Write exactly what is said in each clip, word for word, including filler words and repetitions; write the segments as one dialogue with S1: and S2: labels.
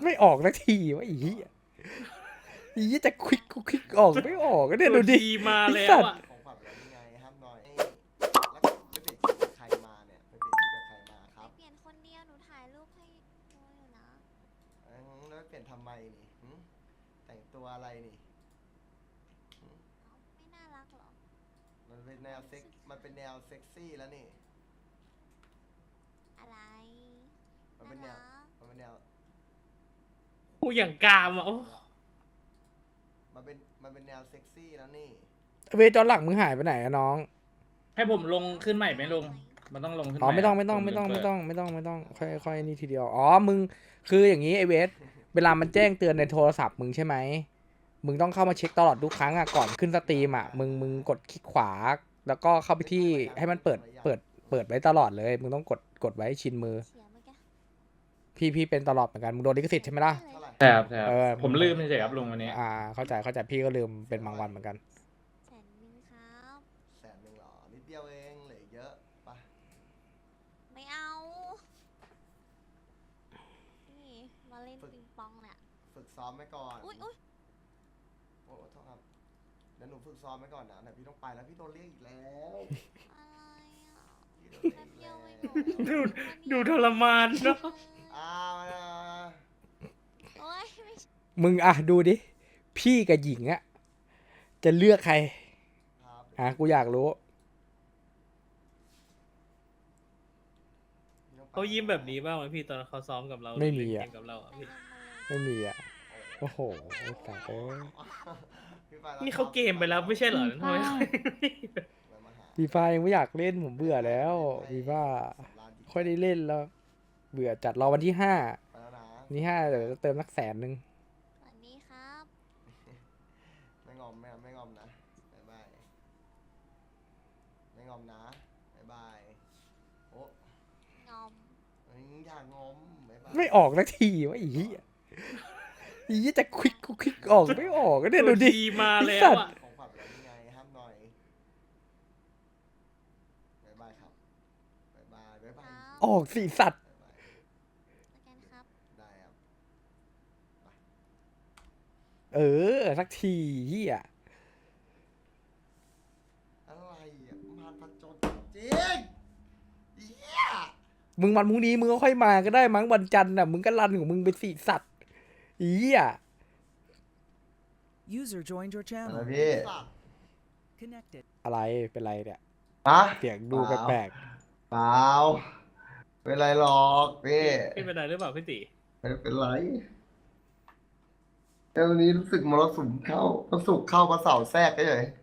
S1: ไม่ออกนาทีวะอีอีจะควิกควิกออกไม่ออกเนี่ยดูดิ
S2: มาแล้วอ่ะ
S3: ของขวัญแล้วยังไงห้ามหน่อยแล้วไปเปลี่ยนชุดกับใครมาเนี่ยไปเปลี่ยนชุดกับใครมาครับ
S4: เปลี่ยนคนเดียวหนูถ่ายรูปให้ดูอยู่นะ
S3: เอ้ยแล้วไปเปลี่ยนทำไมนี่หึแต่งตัวอะไรนี่หึ
S4: ไม่น่ารักหรอ
S3: มันเป็นแนวเซ็กมันเป็นแนวเซ็กซี่แล้วนี่
S4: อะไร
S3: มันเป็นแนวมันเป็นแนว
S2: กูอย่างกามอ่ะโอ้
S3: มันเป็นมันเป็นแนวเซ็กซี่แล้วนี่
S1: เวจอนหลังมึงหายไปไหนอะน้อง
S2: ให้ผมลงขึ้นใหม่ไหมลุงมันต้องลงขึ้นให
S1: อ๋อ
S2: ม่
S1: ไม่ต้องไม่ต้องไม่ต้องไม่ต้องไม่ต้องไม่ต้องค่อยค่อยนี่ทีเดียวอ๋อมึงคืออย่างนี้ไอเวสเวลามันแจ้งเตือนในโทรศัพท์มึงใช่ไหมมึงต้องเข้ามาเช็คตลอดทุกครั้งอ่ะก่อนขึ้นสตรีมอ่ะมึงมึงกดคลิกขวา แล้วก็เข้าไปที่ให้มันเปิดเปิดเปิดไว้ตลอดเลยมึงต้องกดกดไว้ชินมือ
S4: เสียเมื่อกี้
S1: พี่พี่เป็นตลอดเหมือนกันมึงโดนลิขสิทธิ์ใช่ไหมล่ะ
S3: เท่าไหร่
S2: ใช่ครับใช่ครับ
S1: เออ
S2: ผมลืมเฉยๆครับลุงวันนี้
S1: อ่าเข้าใจเข้าใจพี่ก็ลืมเป็นบางวันเหมือนกัน
S4: แสนหนึ่งครับ
S3: แสนหนึ่งเหรอนิดเดียวเองเหลือเยอะปะ
S4: ไม่เอา นี่มาเล่นปิงปองเนี่ย
S3: ฝึกซ้อมไว้ก่อน
S4: อุ้ยอุ้ย
S3: โอ้โทษครับเดี๋ยวหนูฝึกซ้อมไว้ก่อนนะเดี๋ยวพี่ต้องไปแล้วพี่โดนเรียกอีกแล้ว
S4: อะไรอ่ะ
S3: พี่โดน
S4: แป๊บ
S3: เรี
S4: เดี
S3: ย
S4: ยว
S3: ก
S4: เองเหรอ
S2: ดูดูทรมานเนาะ
S3: อ้าวนะ
S4: โอ้ยไม่ใช่
S1: มึงอ่ะดูดิพี่กับหญิงอ่ะจะเลือกใคร
S3: ครับ
S1: อ่ะกูอยากรู้
S3: พี่ต้องไป
S2: เขายิ้มแบบนี้บ้างไหมพี่ตอนเขาซ้อมกับเรา
S1: ไม่มีอะ
S2: เล่นเกกับเราอะ
S4: ไป
S2: พี่
S4: ลงมาเลย
S1: ไม่มีอ่ะโอ้โหไอ้สัตว์เอ้ย
S3: พี่ไปแล้ว
S2: นี่เขาเกมไปแล้วไม่ใช่เหรอทำไม
S3: ไปมาหา
S1: ฟีฟ่ายังไม่อยากเล่นผมเบื่อแล้วฟีฟ่า
S3: สำราญจิต
S1: ค่อยได้เล่นแล้ว เบื่อจัดรอวันที่ห้า
S3: ไปแล้วนะ
S1: วันที่ห้าเดี๋ยวจะเติมนักแสนหนึ่ง
S4: สวัสดีครับ
S3: ไม่งอมไม่ไม่งอมนะบ๊ายบายไม่งอมนะบ๊ายบายโอ้
S4: งอม
S3: ยอย่างงอมบ๊ายบาย
S1: ไม่ออกนาทีวะอีอีจะควิกควิกออกไม่ออกเนี่ยดูดิ
S2: มาแล้ว
S1: ไอ้สัตว์
S2: อ่ะ
S3: ของขวัญแล้วยังไงห้ามหน่อยบ๊ายบายครับบ๊ายบายบ๊ายบาย
S1: ออกสีสัตว์
S3: บ๊ายบาย
S4: แล้วกันครับ
S3: ได้ครับ
S1: เออสักทีเฮีย
S3: อะไรอ่ะมารผจญจริงเหี้ย
S1: มึงวันพรุ่งนี้มึงก็ค่อยมาก็ได้มั้งวันจันทร์น่ะมึงก็รันของมึงไปสีสัตว์เฮีย
S5: User joined your
S3: อะไร
S5: channel.
S3: พี่
S5: Connected.
S1: อะไรเป็นไรเนี่ย
S3: ฮะ
S1: เสียงดูแปลก
S3: เปล่าเป็นไรหรอกพี่
S2: พี่เป็นไรหรือเปล่าพี่ติ
S3: ไม่เป็นไรแต่วันนี้รู้สึกมรสุมเข้ามรสุมเข้ามาเสาแทรกก็เลย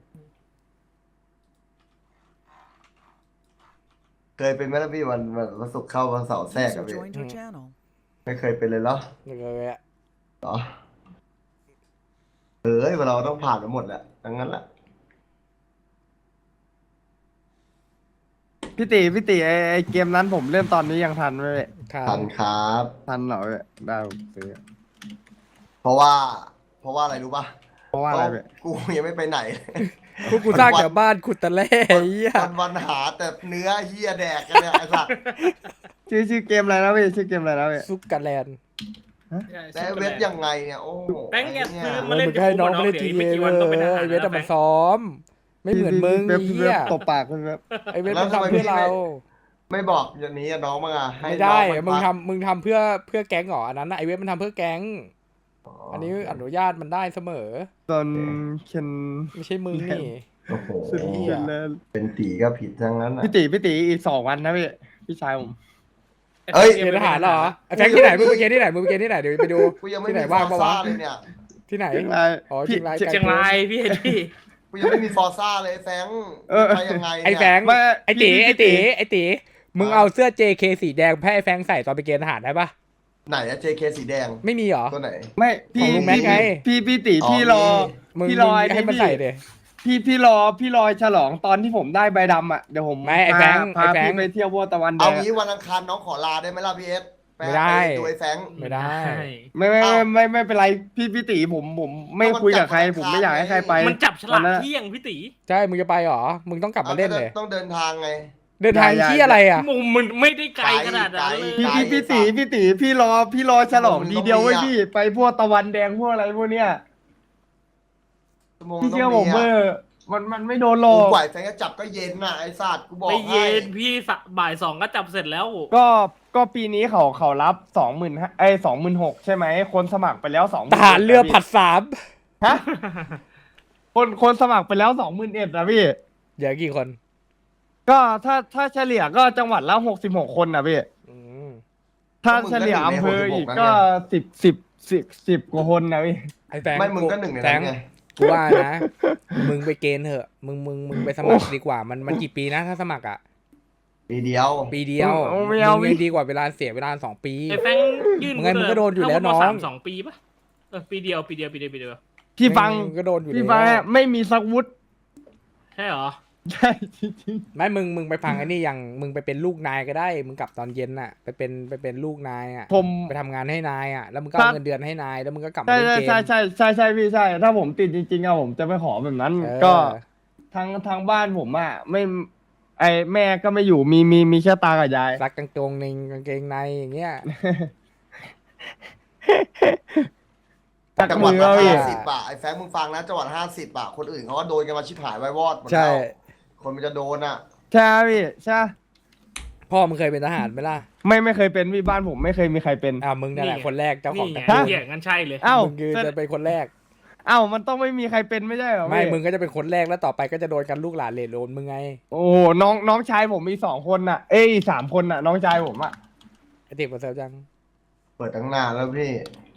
S3: เคยเป็นไหมล่ะพี่วันวันมรสุมเข้ามาเสาแทรก
S5: User
S3: อะพี่
S5: joined your channel.
S3: ไม่เคยเป็นเลยเหรอ
S1: ๆเลยอะ
S3: เหรอเอ้ยเราต้องผ่านมาหมดแหละดังนั้นแหละ
S6: พี่ตีพี่ตีไอไอเกมนั้นผมเล่นตอนนี้ยังทันไหมพี่
S1: ค่ะ
S3: ทันครับ
S6: ทันเหรอพี่ได้ผมซื้อ
S3: เพราะว่า เพราะว่าอะไรรู้ป่ะ
S6: เพราะว่าอะไรพี่
S3: กูยังไม่ไปไหน
S1: พวกกูสร้างแต่บ้านขุดตะแล่เฮีย
S3: วันวันๆหาแต่เนื้อเฮียแดกกันเนี่ยไอ้สัตว์
S6: ชื่อชื่อเกมอะไรนะพี่ชื่อเกมอะไรนะพี่
S1: ซุกกะแลนด์
S3: แต่เว็บยังไงเนี่ยโอ้โห
S2: แบงค์แก
S3: เนี่
S2: ซื้
S3: ย
S2: อ
S1: มึงให้น้องไม่ได้ที
S2: ไม่
S1: เอ
S2: กี่
S1: เว
S2: วันต้องเป็นทหาร
S1: ไอเวท
S2: แล้ว
S1: มันซ้อม ไม่เหมือนมึง
S6: เว็บ
S1: เฮี
S6: เว็
S1: ย
S6: บตบปากเว็บ
S1: ไอเวทมันทำเพื่อเรา
S3: ไม่บอกอย่างนี้อะน้องมั้งอะให้
S1: ไม่ได้
S3: น้อง
S1: มึง
S3: พัก
S1: ทำมึงทำเพื่อเพื่อแก๊งเหรออันนั้นน่ะไอเวทมันทำเพื่อแก๊ง อันนี้อนุญาตมันได้เสมอ
S6: ตอนเคน
S1: ไม่ใช่มึงนี่
S3: โอ้โห
S6: สุด
S1: เหี้
S6: สุ
S1: ย
S6: ดเลย
S3: เป็นตีก็ผิดทั้งนั้นอะ
S6: พี่ตีพี่ตีอีกสองวันนะพี่พี่ชายผม
S3: เอ้ย
S1: เกณฑ์ทหารเหรอไอแฟงที่ไหนมึงไปเกณฑ์ที่ไหนมึงไปเกณฑ์ที่ไหนเดี๋ยวไปดู
S3: กูยังไม่
S1: ที่ไหน
S3: มีฟ
S1: ว่า
S3: อง ร์
S1: ปะ
S3: ซ่าว
S1: ะ
S3: เลยเนี่ย
S1: ที่ไหน
S6: เชียงราย
S1: อ๋อ
S6: พี่
S1: เชียงราย
S2: เชียงรายพี่เอ็ดพี่
S3: กูยังไม่มีฟอร์ซ่าเลยแฟง
S6: เออ
S3: ไปยังไง
S1: ไอ
S3: เนี่ย
S1: แฟง
S6: ไม่
S1: ไอตี
S6: พี่
S1: ไอ
S6: พี่
S1: ตีไอตีมึงเอาเสื้อ เจ เค สีแดงให้ไอแฟงใส่ตอนไปเกณฑ์ทหารได้ปะ
S3: ไหนอะ เจ เค สีแดง
S1: ไม่มีเหรอ
S3: ตัวไหน
S6: ไม่
S1: ขอ
S6: พี่
S1: งลุงแม็กไง
S6: พี่พี่ตี
S3: อ๋อ
S6: พี่รอ
S1: มึง
S6: พี่รอ
S1: มึง
S6: ไอ้
S1: ให้มัน
S6: พี่
S1: ใส่เดย
S6: พี่พี่รอพี่รอฉลองตอนที่ผมได้ใบดำอ่ะเดี๋ยวผม
S1: ไม่ไอ้แฟง
S6: พา
S1: ไอ้แฟง
S6: พี่ไปเที่ยววัวตะวันแด
S3: เอา
S6: ง
S3: งี้วันอังคารน้องขอลาได้ไหมล่ะพี่เอสป
S1: ไม่ได้
S3: ปดูไอ้แฟง
S1: ไม่ได้
S6: ไม่ไม่
S3: เอ้า
S6: ไม่ไม่ไม่เป็นไรพี่พี่ตีผมผมไม่
S3: ก็มัน
S6: คุยกับใคร
S3: จับ
S6: ผมไม่อยากให้ใครไป
S2: มันจับฉลาก
S6: วันนั้น
S2: เที่ยงพี่ติ
S1: ใช่มึงจะไปเหรอมึงต้องกลับมาเล่นเลย
S3: ต้องเดินทางไง
S1: เดินทาง
S6: อย่า
S1: ที่อะไรอ่ะ
S2: มุมมันไม่ได้ไกลขนาดนั้นเลย
S6: พี่พี่พี่ตีพี่ตีพี่รอพี่รอฉลองดีเดียวไว้ยพี่ไปพวกตะวันแดงพวกอะไรพวกเนี้ย
S3: ชั่วโมง
S6: พี่เชื่อ
S3: ต้
S6: ผ
S3: ง
S6: มเบอ
S3: อะ
S6: ร์มันมันไม่โดนหรอ
S3: กู
S6: ก
S3: กว่าแฟนจะจับก็เย็นน่ะไอ้สัตว์กูบอก
S2: ไม่
S3: ให้
S2: เย็นพี่สะบ่ายสองก็จับเสร็จแล้ว
S6: ก็ก็ปีนี้เขาเขารับสองหมื่นไอ้สองหมื่นหกใช่ไหมคนสมัครไปแล้วสอง
S1: ทหารเรือผัดสาม
S6: ฮะคนคนสมัครไปแล้วสองหมื่นเอ็ดนะพี่
S1: เดี๋ยวกี่คน
S6: ก็ถ้าถ้าเฉลี่ยก็จังหวัดละหกสิบหกคนนะพี่
S1: อืม
S6: ถ้าเฉลี่ยอำเภออีกก็สิบสิบสิบสิบกว่าคนนะพี่
S1: ไอ้แฟง
S3: ไม่มึงก็หนึ่งใน
S1: แฟ
S3: นั้น
S1: ง
S3: ไง
S1: กูว่านะ มึงไปเกณฑ์เถอะ มึงมึงมึงไปสมัครดีกว่า มันมันกี่ปีนะถ้าสมัครอ่ะ
S3: ปีเดียว
S1: ปีเดียว
S6: เอาไม่เอา
S1: มึงยังดีกว่าเวลาเสียเวลาสองปี
S2: ไอ้แฟงยื่น
S1: มึงไงมึงก็โดนอยู่แล้ว
S2: เข้ามา
S1: น้อง
S2: สามสองปีปะเออปีเดียวปีเดียวปีเดียวปีเดียว
S6: พี่ฟัง
S1: มึก็โดนอยู่
S6: พี่
S1: แล้ว
S6: ฟังอะไม่มีสักวุฒิ
S2: ใช่เหรอ
S6: ใช่จริง
S1: ไม่มึงมึงไปฟังไอ้นี่อย่างมึงไปเป็นลูกนายก็ได้ มึงกลับตอนเย็นน่ะ ไปเป็นไปเป็นลูกนายอ่ะ
S6: ๆผม
S1: ไปทำงานให้นายอ่ะ แล้วมึงก็
S6: ครั
S1: เอา
S6: บ
S1: เงินเดือนให้นาย แล้วมึงก็กลับมา
S6: ใช่
S1: เล่น
S6: ใช่
S1: เกม
S6: ใช่ใช่ใช่ใช่พี่ใช่ ถ้าผมติดจริงๆอะผมจะไปขอแบบนั้น
S1: เออ
S6: ก็ทางทางบ้านผมอะไม่ไอแม่ก็ไม่อยู่มีมีมีแค่ตากับยาย
S1: ซักกางเกงในกางเกงในอย่างเงี้ย
S6: ตัก
S3: จังหวั
S6: มื
S3: ด
S6: อ
S3: ละ
S6: เอาอีก
S3: ห้าสิบอะไอ้แฟงมึงฟังนะจังหวัดห้าสิบอะคนอื่นเขาก็โดนกันมาชิบหายไว้วอดหมด
S1: ใช่
S3: แล้วคนมันจะโดนอะ
S6: ใช่พี่ใช่
S1: พ่อมึงเคยเป็นทหารไหมล่ะ
S6: ไม่ไม่เคยเป็นพี่บ้านผมไม่เคยมีใครเป็น
S1: อ่ามึงนั่นแหละ
S2: นี่ไง
S1: คนแรกเจ้าของ
S2: นี่
S1: ตระ
S2: ไง
S1: กูล
S2: เหี้ยงั้นใช่เลย
S6: เอ้า
S1: มึงคือจะเป็นคนแรก
S6: เอ้ามันต้องไม่มีใครเป็นไม่ใช่เหรอ
S1: ไม่
S6: พี่
S1: มึงก็จะเป็นคนแรกแล้วต่อไปก็จะโดนกันลูกหลานเหลนโดนมึงไง
S6: โอ้โหน้องน้องชายผมมีสองคนน่ะ เอ้ยสามคนน่ะ น้องชายผมอะ
S1: ไอเด็กมาเซลจัง
S3: เปิดตั้งนานแล้วพี่